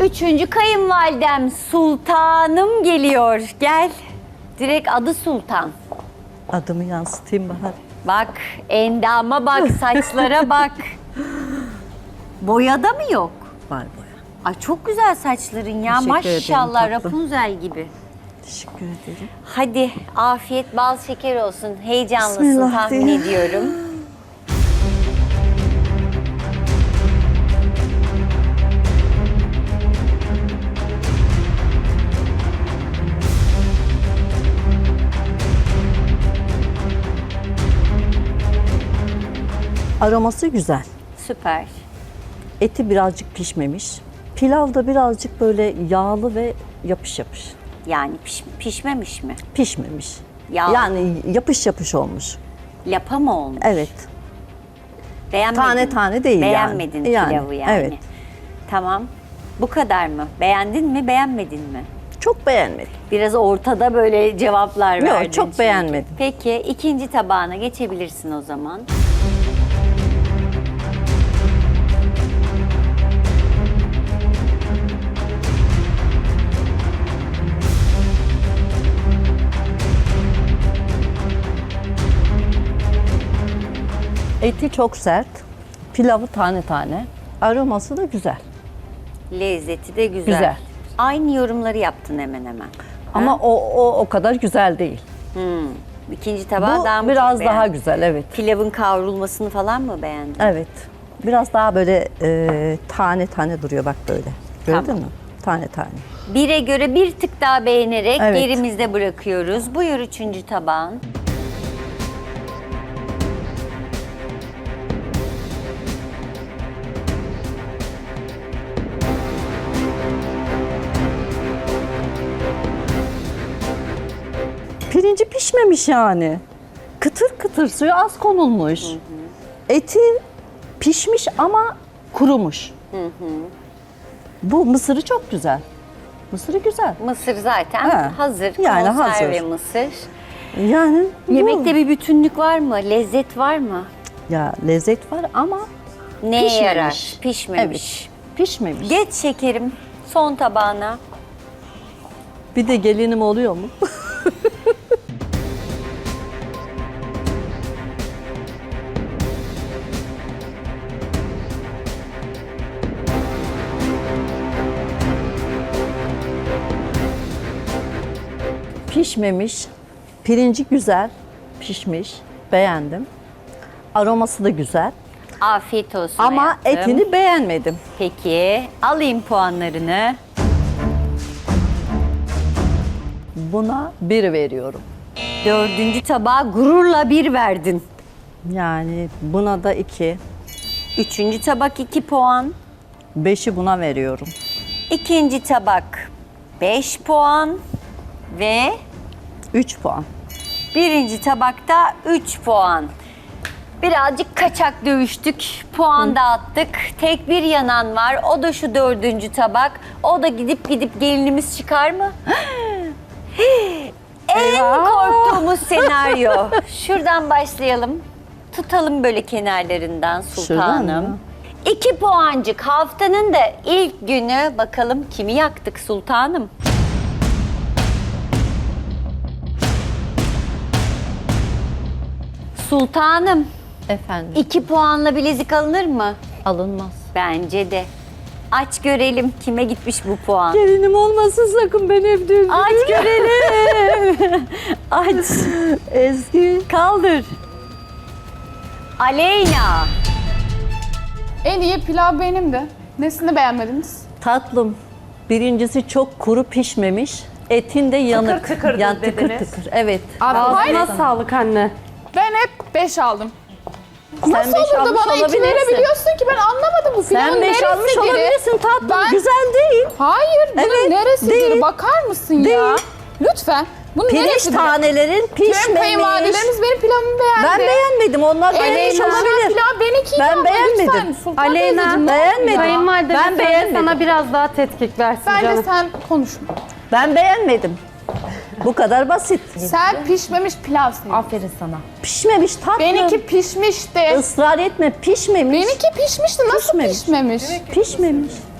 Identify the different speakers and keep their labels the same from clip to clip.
Speaker 1: Üçüncü kayınvalidem Sultanım geliyor. Gel. Direkt adı Sultan.
Speaker 2: Adımı yansıtayım Bahar.
Speaker 1: Bak, endama bak, saçlara bak. Boyada mı yok?
Speaker 2: Var boya.
Speaker 1: Ay çok güzel saçların ya.
Speaker 2: Teşekkür ederim
Speaker 1: Maşallah,
Speaker 2: tatlım.
Speaker 1: Rapunzel gibi.
Speaker 2: Teşekkür ederim.
Speaker 1: Hadi afiyet bal şeker olsun. Heyecanlısın
Speaker 2: Bismillah
Speaker 1: tahmin
Speaker 2: diye.
Speaker 1: ediyorum.
Speaker 2: Aroması güzel.
Speaker 1: Süper.
Speaker 2: Eti birazcık pişmemiş. Pilav da birazcık böyle yağlı ve yapış yapış.
Speaker 1: Yani pişmemiş mi?
Speaker 2: Pişmemiş.
Speaker 1: Yağlı.
Speaker 2: Yani yapış yapış olmuş.
Speaker 1: Lapa mı olmuş?
Speaker 2: Evet.
Speaker 1: Beğenmedin
Speaker 2: Tane
Speaker 1: mi?
Speaker 2: tane değil
Speaker 1: Beğenmedin
Speaker 2: yani.
Speaker 1: pilavı yani.
Speaker 2: Evet.
Speaker 1: Tamam. Bu kadar mı? Beğendin mi, beğenmedin mi?
Speaker 2: Çok beğenmedim.
Speaker 1: Biraz ortada böyle cevaplar
Speaker 2: Yok,
Speaker 1: verdin.
Speaker 2: çok
Speaker 1: çünkü.
Speaker 2: beğenmedim.
Speaker 1: Peki ikinci tabağına geçebilirsin o zaman.
Speaker 2: Eti çok sert. Pilavı tane tane. Aroması da güzel.
Speaker 1: Lezzeti de güzel.
Speaker 2: Güzel.
Speaker 1: Aynı yorumları yaptın hemen hemen.
Speaker 2: Ama o kadar güzel değil.
Speaker 1: İkinci tabağı
Speaker 2: Bu
Speaker 1: daha mı
Speaker 2: biraz
Speaker 1: çok
Speaker 2: daha
Speaker 1: beğendin?
Speaker 2: güzel, evet.
Speaker 1: Pilavın kavrulmasını falan mı beğendin?
Speaker 2: Evet. Biraz daha böyle tane tane duruyor bak böyle. Gördün
Speaker 1: Tamam.
Speaker 2: mü? Tane tane.
Speaker 1: Bire göre bir tık daha beğenerek
Speaker 2: Evet.
Speaker 1: gerimizde bırakıyoruz. Buyur üçüncü tabağın.
Speaker 2: Pirinci pişmemiş yani. Kıtır kıtır, suyu az konulmuş. Eti pişmiş ama kurumuş. Bu mısırı çok güzel. Mısırı güzel.
Speaker 1: Mısır zaten
Speaker 2: Ha,
Speaker 1: hazır.
Speaker 2: yani
Speaker 1: Konserve
Speaker 2: hazır.
Speaker 1: mısır.
Speaker 2: Yani
Speaker 1: Yemekte bir bütünlük var mı? Lezzet var mı?
Speaker 2: ya lezzet var ama
Speaker 1: Neye
Speaker 2: Pişmemiş.
Speaker 1: yarar? Pişmemiş.
Speaker 2: pişmemiş.
Speaker 1: Geç şekerim son tabağına.
Speaker 2: Bir de gelinim oluyor mu? Pişmemiş. Pirinci güzel, pişmiş. Beğendim. Aroması da güzel.
Speaker 1: Afiyet olsun
Speaker 2: Ama
Speaker 1: hayatım.
Speaker 2: etini beğenmedim.
Speaker 1: Peki alayım puanlarını.
Speaker 2: Buna 1 veriyorum.
Speaker 1: Dördüncü tabağa gururla bir verdin.
Speaker 2: Yani buna da 2.
Speaker 1: Üçüncü tabak 2 puan.
Speaker 2: 5'i buna veriyorum.
Speaker 1: İkinci tabak 5 puan. Ve
Speaker 2: 3 puan.
Speaker 1: birinci tabakta 3 puan. Birazcık kaçak dövüştük, puan dağıttık. Tek bir yanan var, o da şu dördüncü tabak. O da gidip gelinimiz çıkar mı? En korktuğumuz senaryo. Şuradan başlayalım. Tutalım böyle kenarlarından
Speaker 2: Şuradan
Speaker 1: sultanım.
Speaker 2: mı?
Speaker 1: 2 puancık haftanın da ilk günü. Bakalım kimi yaktık sultanım? Sultanım,
Speaker 2: Efendim
Speaker 1: 2 puanla bilezik alınır mı?
Speaker 2: alınmaz.
Speaker 1: Bence de. Aç görelim kime gitmiş bu puan.
Speaker 2: Gelinim olmasın sakın ben evde üzülürüm.
Speaker 1: Aç görelim. Aç.
Speaker 2: Ezgi.
Speaker 1: Kaldır. Aleyna.
Speaker 3: En iyi pilav benim de. Nesini beğenmediniz?
Speaker 2: Tatlım. Birincisi çok kuru pişmemiş. Etin de yanık.
Speaker 4: tıkırdı
Speaker 2: Yani tıkır
Speaker 4: dediniz.
Speaker 2: tıkır. Evet.
Speaker 4: Ağzına sağlık anne.
Speaker 3: Ben hep 5 aldım.
Speaker 2: Sen
Speaker 3: Nasıl
Speaker 2: beş
Speaker 3: olur da
Speaker 2: almış
Speaker 3: bana 2
Speaker 2: olabilirsin.
Speaker 3: verebiliyorsun ki ben anlamadım bu pilavın
Speaker 2: Sen 5 almış
Speaker 3: neresidir?
Speaker 2: olabilirsin tatlım.
Speaker 3: Ben-
Speaker 2: Güzel değil.
Speaker 3: Hayır bunun
Speaker 2: Evet,
Speaker 3: neresidir?
Speaker 2: değil.
Speaker 3: Bakar mısın ya?
Speaker 2: Değil.
Speaker 3: Lütfen. Bunun
Speaker 2: Pirinç
Speaker 3: neresidir?
Speaker 2: tanelerin
Speaker 3: Tüm
Speaker 2: pişmemiş.
Speaker 3: kayınvalidelerimiz benim pilavımı beğendi.
Speaker 2: Ben beğenmedim. Onlar beğenmiş
Speaker 3: Aleyna.
Speaker 2: olabilir.
Speaker 3: Pilav benimkiydi
Speaker 2: Ben
Speaker 3: ama
Speaker 2: beğenmedim.
Speaker 3: lütfen Sultan
Speaker 4: Aleyna,
Speaker 3: teyzeciğim, ne
Speaker 2: beğenmedim.
Speaker 3: oluyor?
Speaker 4: Kayınvalide
Speaker 2: Ben
Speaker 4: ben
Speaker 2: beğenmedim.
Speaker 4: sana biraz daha tetkik versin
Speaker 3: Bence
Speaker 4: canım.
Speaker 3: sen konuşma.
Speaker 2: Ben beğenmedim. Bu kadar basit.
Speaker 3: Sen pişmemiş pilavsın.
Speaker 4: Aferin sana.
Speaker 2: Pişmemiş tatlım.
Speaker 3: Benimki pişmişti.
Speaker 2: Israr etme pişmemiş.
Speaker 3: Benimki pişmişti. Nasıl
Speaker 2: Pişmemiş.
Speaker 3: pişmemiş?
Speaker 2: Pişmemiş.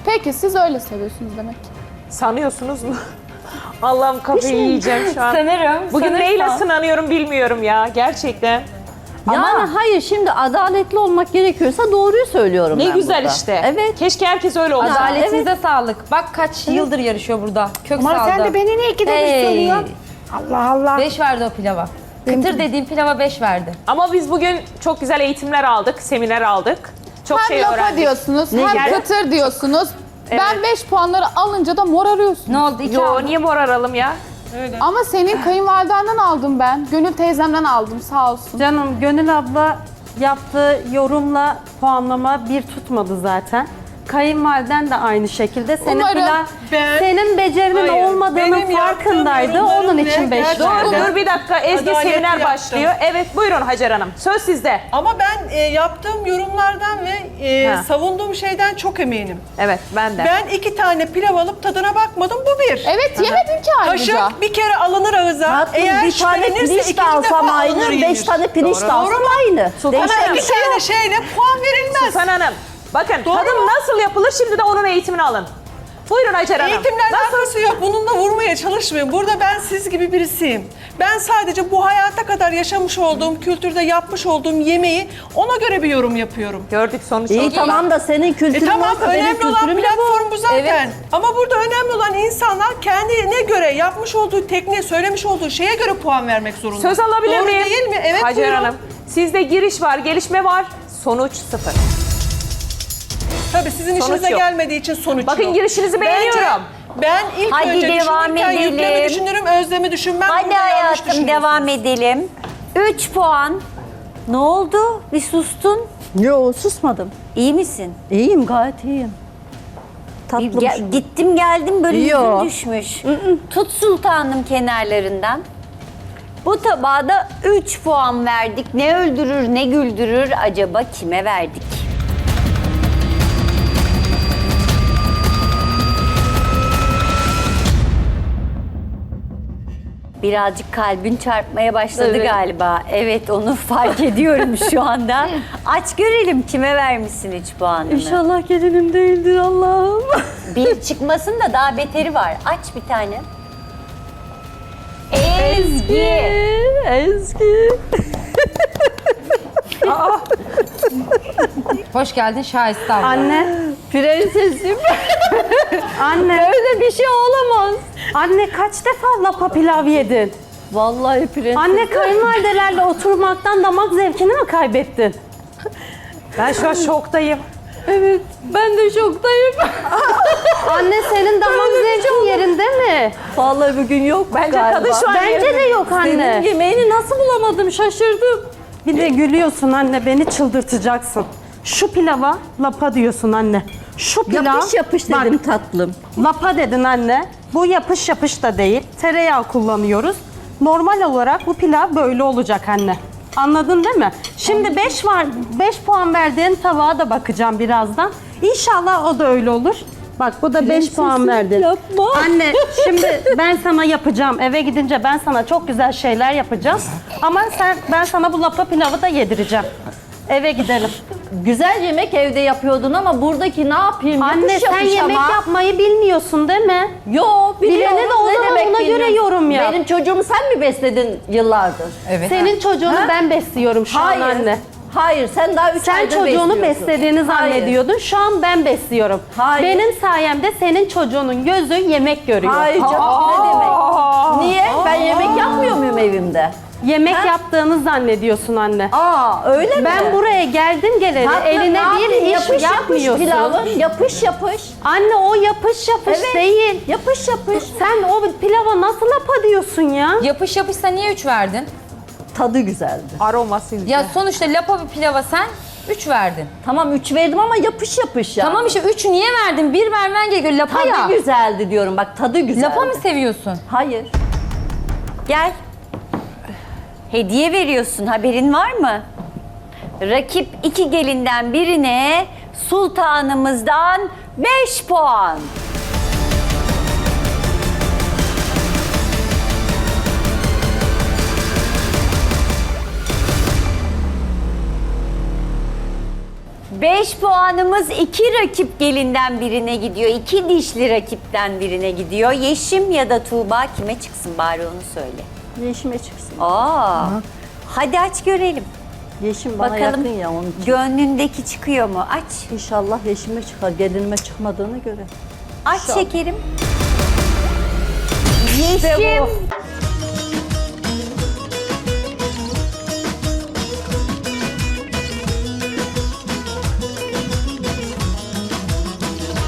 Speaker 3: Peki siz öyle seviyorsunuz demek ki.
Speaker 5: Sanıyorsunuz mu? Allah'ım kafayı yiyeceğim şu an.
Speaker 1: Sanırım.
Speaker 5: Bugün neyle sınanıyorum bilmiyorum ya gerçekten.
Speaker 2: Yani hayır, şimdi adaletli olmak gerekiyorsa doğruyu söylüyorum
Speaker 5: Ne
Speaker 2: ben
Speaker 5: güzel
Speaker 2: burada.
Speaker 5: işte.
Speaker 2: Evet.
Speaker 5: Keşke herkes öyle olsa.
Speaker 4: Adaletinize sağlık. Bak kaç yıldır yarışıyor burada. Kök
Speaker 6: Ama
Speaker 4: saldı.
Speaker 6: sen de beni niye ikide bir soruyorsun? Allah Allah.
Speaker 4: 5 verdi o pilava. Kıtır dediğim pilava 5 verdi.
Speaker 5: Ama biz bugün çok güzel eğitimler aldık, seminer aldık. Çok
Speaker 3: Hem
Speaker 5: şey
Speaker 3: lapa
Speaker 5: öğrendik.
Speaker 3: diyorsunuz,
Speaker 2: Ne
Speaker 3: hem
Speaker 2: gibi?
Speaker 3: kıtır diyorsunuz. Ben 5 puanları alınca da mor arıyorsun.
Speaker 4: Ne oldu? 2
Speaker 5: Yo
Speaker 4: aldın.
Speaker 5: niye mor aralım ya?
Speaker 3: Ama senin kayınvalidenden aldım ben. Gönül teyzemden aldım sağ olsun.
Speaker 7: Canım Gönül abla yaptığı yorumla puanlama bir tutmadı zaten. Kayınvaliden de aynı şekilde senin
Speaker 3: Umarım
Speaker 7: senin becerinin
Speaker 8: Hayır,
Speaker 7: olmadığının
Speaker 8: benim
Speaker 7: farkındaydı.
Speaker 8: yaptığım
Speaker 7: Onun
Speaker 8: yorumlarım
Speaker 7: için
Speaker 8: ne?
Speaker 7: 5
Speaker 8: Gerçekten.
Speaker 7: verdi.
Speaker 5: Dur bir dakika Ezgi
Speaker 8: Adaletli
Speaker 5: seminer
Speaker 8: yaptım.
Speaker 5: başlıyor. Evet buyurun Hacer Hanım. Söz sizde.
Speaker 8: Ama ben yaptığım yorumlardan ve
Speaker 5: Ha.
Speaker 8: savunduğum şeyden çok eminim.
Speaker 5: Evet ben de.
Speaker 8: Ben 2 tane pilav alıp tadına bakmadım, bu bir.
Speaker 3: Evet yemedim ki ayrıca.
Speaker 8: Kaşık bir kere alınır ağıza.
Speaker 2: Tatlım,
Speaker 8: Eğer
Speaker 2: bir tane
Speaker 8: şüphelenirse
Speaker 2: pirinç
Speaker 8: ikinci
Speaker 2: de alsam
Speaker 8: defa
Speaker 2: aynı,
Speaker 8: alınır
Speaker 2: 5
Speaker 8: yenir.
Speaker 2: tane pirinç de
Speaker 8: Doğru.
Speaker 2: alsam aynı.
Speaker 8: Ama
Speaker 2: Değişen bir
Speaker 8: 2
Speaker 2: şey yok.
Speaker 8: tane şeyle puan verilmez.
Speaker 5: Sultan Hanım. Bakın
Speaker 8: Doğru
Speaker 5: tadım
Speaker 8: mu?
Speaker 5: nasıl yapılır şimdi de onun eğitimini alın. Buyurun Hacer Hanım.
Speaker 8: Eğitimle alakası yok. Bununla vurmaya çalışmayın. Burada ben siz gibi birisiyim. Ben sadece bu hayata kadar yaşamış olduğum, kültürde yapmış olduğum yemeği ona göre bir yorum yapıyorum.
Speaker 5: Gördük sonuç.
Speaker 2: İyi
Speaker 5: oldu.
Speaker 2: tamam da senin kültürün
Speaker 8: Tamam,
Speaker 2: varsa benim
Speaker 8: önemli olan
Speaker 2: kültürüm de bu.
Speaker 8: platform bu zaten. Ama burada önemli olan insanlar kendine göre yapmış olduğu tekniğe, söylemiş olduğu şeye göre puan vermek zorunda.
Speaker 5: Söz alabilir
Speaker 8: Doğru
Speaker 5: miyim?
Speaker 8: değil mi? Evet,
Speaker 5: Hacer
Speaker 8: buyurun.
Speaker 5: Hanım. Sizde giriş var, gelişme var. Sonuç 0.
Speaker 8: Tabii sizin
Speaker 5: Sonuç
Speaker 8: işinize
Speaker 5: yok.
Speaker 8: gelmediği için sonuç
Speaker 5: Bakın
Speaker 8: yok.
Speaker 5: girişinizi beğeniyorum.
Speaker 8: Ben ilk
Speaker 1: Hadi
Speaker 8: önce
Speaker 1: devam
Speaker 8: düşünürken yüklemi
Speaker 1: edelim.
Speaker 8: düşünürüm, özlemi düşünmem.
Speaker 1: Hadi
Speaker 8: Burada yanlış
Speaker 1: hayatım
Speaker 8: düşünüyorsunuz.
Speaker 1: devam edelim. 3 puan. Ne oldu? Bir sustun.
Speaker 2: Yo, susmadım.
Speaker 1: İyi misin?
Speaker 2: İyiyim, gayet iyiyim. Tatlım.
Speaker 1: Gittim geldim böyle
Speaker 2: Yo.
Speaker 1: yüzün düşmüş. Tut sultanım kenarlarından. Bu tabağa da 3 puan verdik. Ne öldürür ne güldürür acaba kime verdik? Birazcık kalbin çarpmaya başladı
Speaker 2: Evet.
Speaker 1: galiba. Evet onu fark ediyorum şu anda. Aç görelim kime vermişsin 3 puanını.
Speaker 2: İnşallah gelinim değildir Allah'ım.
Speaker 1: Bir çıkmasın da daha beteri var. Aç bir tane. Ezgi.
Speaker 2: Ezgi.
Speaker 4: Hoş geldin Şahiste abla.
Speaker 7: Anne,
Speaker 2: Prensesim.
Speaker 7: anne,
Speaker 2: Öyle bir şey olamaz.
Speaker 7: anne kaç defa lapa pilav yedin?
Speaker 2: Vallahi prenses.
Speaker 7: Anne kayınvalidelerle oturmaktan damak zevkini mi kaybettin?
Speaker 5: Ben şu an şoktayım.
Speaker 2: Evet, ben de şoktayım.
Speaker 7: Anne senin damak zevkin yerinde mi?
Speaker 2: Vallahi bugün yok
Speaker 5: Bence
Speaker 2: galiba.
Speaker 5: kadın şu an
Speaker 7: Bence de yok
Speaker 2: Senin
Speaker 7: anne.
Speaker 2: yemeğini nasıl bulamadım, şaşırdım.
Speaker 7: Bir de gülüyorsun anne, beni çıldırtacaksın. Şu pilava lapa diyorsun anne. Şu pilav...
Speaker 2: Yapış yapış
Speaker 7: Bak,
Speaker 2: dedim tatlım.
Speaker 7: lapa dedin anne. Bu yapış yapış da değil. Tereyağı kullanıyoruz. Normal olarak bu pilav böyle olacak anne. Anladın değil mi? Şimdi 5 var. 5 puan verdiğin tabağa da bakacağım birazdan. İnşallah o da öyle olur. Bak bu da 5 puan verdin.
Speaker 2: yapma.
Speaker 7: Anne şimdi ben sana yapacağım. Eve gidince ben sana çok güzel şeyler yapacağım. Ama ben sana bu lapa pilavı da yedireceğim. Eve gidelim.
Speaker 2: Güzel yemek evde yapıyordun ama buradaki ne yapayım?
Speaker 7: Anne
Speaker 2: Yapış
Speaker 7: sen
Speaker 2: yapış
Speaker 7: yemek
Speaker 2: ama.
Speaker 7: yapmayı bilmiyorsun değil mi?
Speaker 2: Yo, biliyorum.
Speaker 7: Bilene de o
Speaker 2: Ne
Speaker 7: zaman
Speaker 2: demek
Speaker 7: ona göre
Speaker 2: bilmiyorum.
Speaker 7: yorum yap.
Speaker 2: Benim çocuğumu sen mi besledin yıllardır?
Speaker 4: Evet.
Speaker 7: Senin çocuğunu
Speaker 2: Ha?
Speaker 7: ben besliyorum şu
Speaker 2: Hayır.
Speaker 7: an anne.
Speaker 2: Hayır, sen daha 3
Speaker 7: Sen
Speaker 2: aydır
Speaker 7: çocuğunu
Speaker 2: besliyorsun.
Speaker 7: beslediğini
Speaker 2: Hayır.
Speaker 7: zannediyordun. Şu an ben besliyorum.
Speaker 2: Hayır.
Speaker 7: Benim sayemde senin çocuğunun gözü yemek görüyor.
Speaker 2: Hayır canım, ne demek? Niye? Ben yemek yapmıyor muyum evimde?
Speaker 7: Yemek
Speaker 2: Ha?
Speaker 7: yaptığını zannediyorsun anne.
Speaker 2: Aa, öyle mi?
Speaker 7: Ben buraya geldim geleli
Speaker 2: Tatlım,
Speaker 7: eline
Speaker 2: ne yapayım?
Speaker 7: bir iş
Speaker 2: yapış yapış
Speaker 7: yapmıyorsun.
Speaker 2: pilavın, yapış yapış.
Speaker 7: Anne o yapış yapış
Speaker 2: Evet.
Speaker 7: değil.
Speaker 2: Yapış yapış.
Speaker 7: Sen o pilava nasıl lapa diyorsun ya?
Speaker 4: Yapış yapışsa niye 3 verdin?
Speaker 2: Tadı güzeldi.
Speaker 5: Aroması.
Speaker 4: Ya sonuçta lapa bir pilava sen 3 verdin.
Speaker 2: Tamam 3 verdim ama yapış yapış ya.
Speaker 4: Tamam işte 3 niye verdin? 1 vermen gerekiyor lapa
Speaker 2: Tadı
Speaker 4: ya.
Speaker 2: güzeldi diyorum, bak tadı güzeldi.
Speaker 4: Lapa mı seviyorsun?
Speaker 2: Hayır.
Speaker 1: Gel. Hediye veriyorsun haberin var mı? Rakip 2 gelinden birine sultanımızdan 5 puan. 5 puanımız 2 rakip gelinden birine gidiyor. 2 dişli rakipten birine gidiyor. Yeşim ya da Tuğba kime çıksın bari onu söyle.
Speaker 2: Yeşime çıksın.
Speaker 1: Aa. Hadi aç görelim.
Speaker 2: Yeşim bana
Speaker 1: Bakalım
Speaker 2: yakın ya onun için.
Speaker 1: gönlündeki çıkıyor mu? Aç.
Speaker 2: İnşallah yeşime çıkar. Gelinime çıkmadığını göre.
Speaker 1: Aç şekerim. Yeşim